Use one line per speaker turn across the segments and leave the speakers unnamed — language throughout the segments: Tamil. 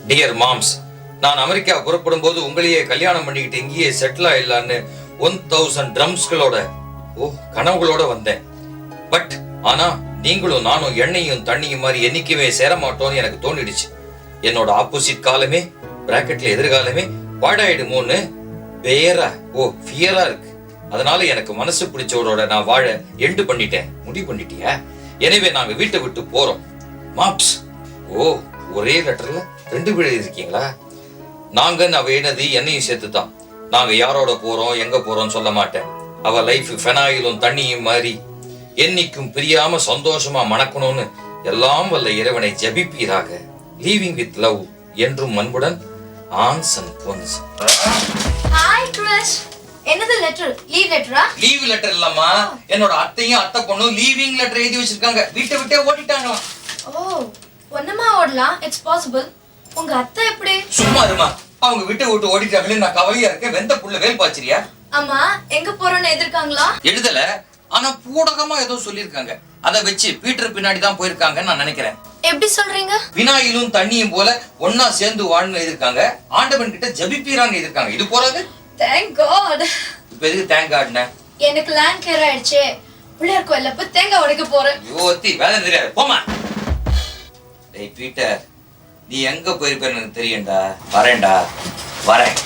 டியர் மாம்ஸ், நான் அமெரிக்கா புறப்படும் போது உங்களையே கல்யாணம் பண்ணிக்கிட்டு இங்கேயே செட்டில் ஆயிடலான்னு 1000 ட்ரம்ஸ்களோட கனவுகளோட வந்தேன். பட் ஆனா நீங்களும் நானும் எண்ணெயும் தண்ணியும் மாதிரி என்னைக்குமே சேர மாட்டோம்னு எனக்கு தோணிடுச்சு. என்னோட ஆப்போசிட் காலமே பிராக்கெட்ல எதிர்காலமே பாடாயிடுமோன்னு ஃபியரா இருக்கு. அதனால எனக்கு மனசு பிடிச்சவரோட நான் வாழ எண்டு பண்ணிட்டேன். முடிவு பண்ணிட்டியா? எனவே நாங்க வீட்டை விட்டு போறோம். மாப்ஸ், ஒரே லெட்டர்ல 2 பேர் இருக்கீங்களா? நாங்க அவ என்னது என்னையும் சேர்த்துதான். நாங்க யாரோட போறோம் எங்க போறோம் சொல்ல மாட்டேன். அவ லைஃப் ஃபெனாயிலும் தண்ணியும் மாதிரி என்னைக்கும் பிரியாம சந்தோஷமா மணக்கணும்னு எல்லாம் வல்ல இறைவனை ஜபிப்பீராக. லீவிங் வித் லவ் என்றும் அன்புடன் ஆன்சன் பொன்ஸ்.
Hi Chris. என்னது லெட்டர்? லீவ் லெட்டரா?
லீவ் லெட்டர் இல்லம்மா, என்னோட அத்தையும் அத்தை பொண்ணும் லீவிங் லெட்டர் எழுதி வச்சிருக்காங்க. வீட்டை விட்டே ஓடிட்டாங்களாம்.
பொண்ணமா ஓடலாம், இட்ஸ் பாசிபிள். உங்க அத்தை எப்படி?
சும்மா இருமா, அவங்க வீட்டை விட்டு ஓடிட்டாங்களே, நான் கவலையா இருக்கேன். வெந்த புள்ள வேல் பாச்சிரியா?
அம்மா எங்க போறோம்னு எதிர்க்காங்களா?
எழுதல, ஆனா பூடகமா ஏதோ சொல்லிருக்காங்க. அத வச்சு பீட்டர் பின்னாடி தான் போயிருக்காங்கன்னு நான் நினைக்கிறேன்.
எப்படி சொல்றீங்க?
வினாயிலும் தண்ணியும் போல ஒன்னா சேர்ந்து வாழ்னு எழுதிருக்காங்க. ஆண்டவன் கிட்ட ஜபிப்பீரான்னு எழுதிருக்காங்க. இது போறது?
Thank God.
இப்ப எதுக்கு தேங்க் காட்ன?
எனக்கு லேண்ட் கேர் ஆயிடுச்சு. பிள்ளையார் கோயில்ல போய் தேங்காய் உடைக்க போறேன்.
யோத்தி வேலை தெரியாது, போமா. டேய் பீட்டர், நீ எங்க போயிருப்பேன்னு எனக்கு தெரியும்டா. வரேன்டா, வரேன்.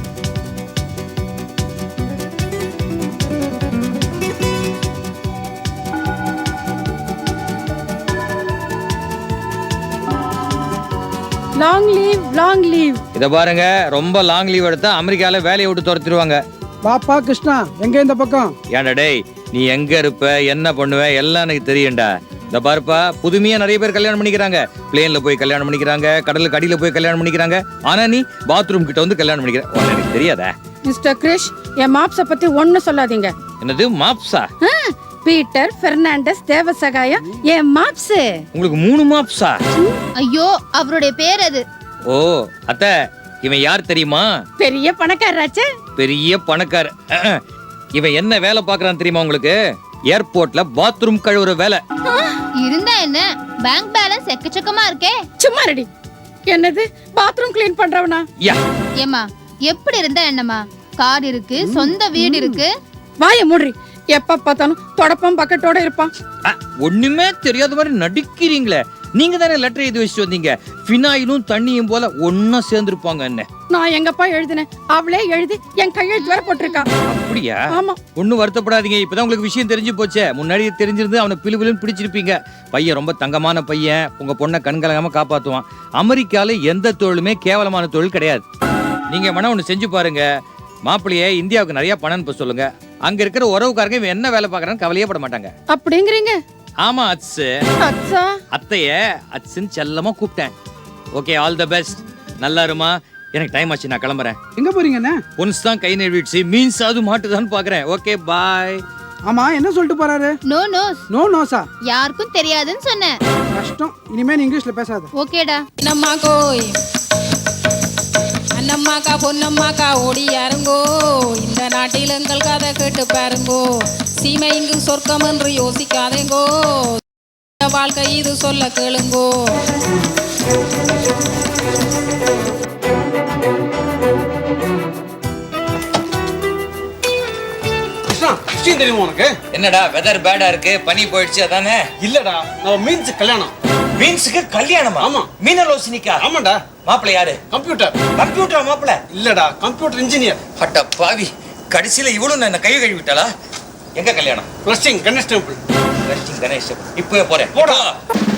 Long leave, long leave.
இத பாருங்க, ரொம்ப லாங் லீவ் எடுத்தா அமெரிக்கால வேலையை விட்டு துரத்திடுவாங்க.
பாப்பா கிருஷ்ணா, எங்க இந்த பக்கம்?
ஏன்டா டேய், நீ எங்க இருப்ப, என்ன பண்ணுவ எல்லாம் எனக்கு தெரியும்டா. இந்த பாருப்பா, புதுமையா நிறைய பேர் கல்யாணம் பண்ணிக்கிறாங்க. பிளேன்ல போய் கல்யாணம் பண்ணிக்கிறாங்க, கடலுக்கு அடியில போய் கல்யாணம் பண்ணிக்கிறாங்க. ஆனா நீ பாத்ரூம் கிட்ட வந்து கல்யாணம் பண்ணிக்கிற. எனக்கு தெரியாதா?
மிஸ்டர் கிரிஷ், என் மாப்ஸ பத்தி ஒண்ணு சொல்லாதீங்க.
என்னது மாப்ஸா?
பீட்டர் பெர்னாண்டஸ் தேவசகாயம் என் மாப்ஸ்.
உங்களுக்கு 3 மாப்ஸா?
ஐயோ, அவருடைய பேர் அது.
ஓ அத்தை, இவன் யார் தெரியுமா?
பெரிய பணக்காரராச்சே.
பெரிய பணக்கார. இவன் என்ன வேலை பாக்குறான் தெரியுமா உங்களுக்கு? ஏர்போர்ட்ல பாத்ரூம் கழுவுற வேலை.
இருந்தா என்ன, பேங்க் பேலன்ஸ் எக்கச்சக்கமா இருக்கே.
சும்மா ரெடி. என்னது பாத்ரூம் கிளீன் பண்றவனா?
யா.
ஏமா, எப்படி இருந்தா என்னமா? கார் இருக்கு, சொந்த வீடு இருக்கு.
வாய மூடுறி. எப்ப பார்த்தாலும் தொடப்பம் பக்கெட்டோட இருப்பான்.
ஒண்ணுமே தெரியாத மாதிரி நடிக்கிறீங்களே. நீங்க தானே லெட்டர் எழுதி வச்சுட்டு வந்தீங்க. ஃபினாயிலும் தண்ணியும் போல ஒன்னா சேர்ந்துருப்பாங்க. என்ன
நான் எங்கப்பா எழுதினேன்? அவளே எழுதி என் கையெழுத்து வர போட்டிருக்கா.
அப்படியா?
ஆமா.
ஒன்னும் வருத்தப்படாதீங்க, இப்பதான் உங்களுக்கு விஷயம் தெரிஞ்சு போச்சே. முன்னாடி தெரிஞ்சிருந்து அவனை பிலுபிலுன்னு பிடிச்சிருப்பீங்க. பையன் ரொம்ப தங்கமான பையன், உங்க பொண்ணை கண்கலங்காம காப்பாத்துவான். அமெரிக்கால எந்த தொழிலுமே கேவலமான தொழில் கிடையாது. நீங்க வேணா ஒண்ணு செஞ்சு பாருங்க. மாப்பிள்ளையே இந்தியாவுக்கு நிறைய பணம் அனுப்ப சொல்லுங்க. அங்க இருக்கிற உறவுக்காரங்க இவன் என்ன வேலை பாக்குறான்னு கவலையே பட மாட்டாங்க.
அப்படிங்கிறீங்க?
ஆமா அட்ஸ்.
அச்சா.
அத்தைய அட்ஸ்ன்னு செல்லமா கூப்பிட்டேன். Okay, all the best. நல்லா இருமா. எனக்கு டைம் ஆச்சு, நான் கிளம்புறேன்.
எங்க போறீங்கண்ணே?
பொன்ஸ் தான் கை நழுவிடுச்சு, மீன்ஸ் அது மாட்டுதான்னு பாக்குறேன். Okay bye.
ஆமா, என்ன சொல்லிட்டு போறாரு?
No nose.
நோ நோஸா?
யாருக்கும் தெரியாதுன்னு சொன்னேன்.
கஷ்டம், இனிமே நீ இங்கிலீஷ்ல பேசாத.
ஓகேடா.
நம்மா கோய் அண்ணம்மாக்கா பொன்னம்மாக்கா ஓடி யாருங்கோ, இந்த நாட்டில் எங்கள் கதை கேட்டு பாருங்கோ. சீமை இங்கு சொர்க்கம் என்று யோசிக்காதேங்கோ, வாழ்க்கை இது சொல்ல கேளுங்கோ.
தெரியுமா உனக்கு?
என்னடா வெதர் பேடா இருக்கு, பனி போயிடுச்சு அதானே?
இல்லடா, நம்ம மீன்ஸ் கல்யாணம்.
மீன்ஸுக்கு கல்யாணமா?
ஆமா.
மீனலோசினிக்கா?
ஆமாடா.
மாப்பிள்ளை யாரு?
கம்ப்யூட்டர்.
கம்ப்யூட்டர் மாப்பிள்ளை?
இல்லடா, கம்ப்யூட்டர் இன்ஜினியர்.
அட்ட பாவி, கடைசியில இவளும் என்ன கை கழுவி விட்டாளா? எங்க கல்யாணம்?
Blessing Ganesh temple.
கணேஷ், இப்பவே போறேன்.
போடா.